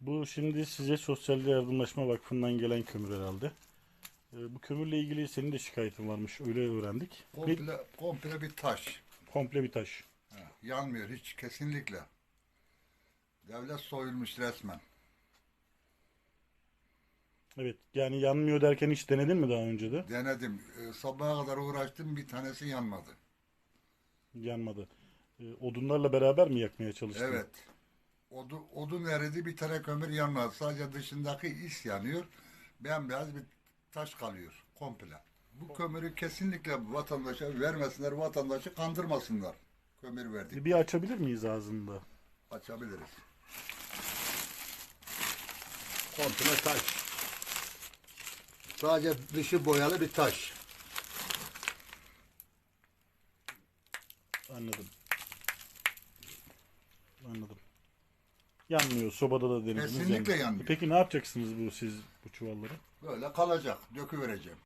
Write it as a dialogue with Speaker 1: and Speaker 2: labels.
Speaker 1: Bu şimdi size Sosyal Yardımlaşma Vakfı'ndan gelen kömür herhalde. Bu kömürle ilgili senin de şikayetin varmış. Öyle öğrendik.
Speaker 2: Komple bir taş.
Speaker 1: Komple bir taş.
Speaker 2: Yanmıyor hiç kesinlikle. Devlet soyulmuş resmen.
Speaker 1: Evet. Yani yanmıyor derken hiç denedin mi daha önce de?
Speaker 2: Denedim. Sabaha kadar uğraştım, bir tanesi yanmadı.
Speaker 1: Yanmadı. Odunlarla beraber mi yakmaya çalıştın?
Speaker 2: Evet. Odun eridi, bir tane kömür yanmadı. Sadece dışındaki is yanıyor. Bembeyaz bir taş kalıyor komple. Bu kömürü kesinlikle vatandaşa vermesinler, vatandaşı kandırmasınlar. Kömür verdik
Speaker 1: Bir
Speaker 2: diye.
Speaker 1: açabilir miyiz ağzında?
Speaker 2: Açabiliriz. Komple taş. Sadece dışı boyalı bir taş.
Speaker 1: Anladım. Anladım. Yanmıyor. Sobada da denediniz.
Speaker 2: Kesinlikle
Speaker 1: yanmıyor.
Speaker 2: yanmıyor.
Speaker 1: Peki ne yapacaksınız siz bu çuvalları?
Speaker 2: Böyle kalacak. Döküvereceğim.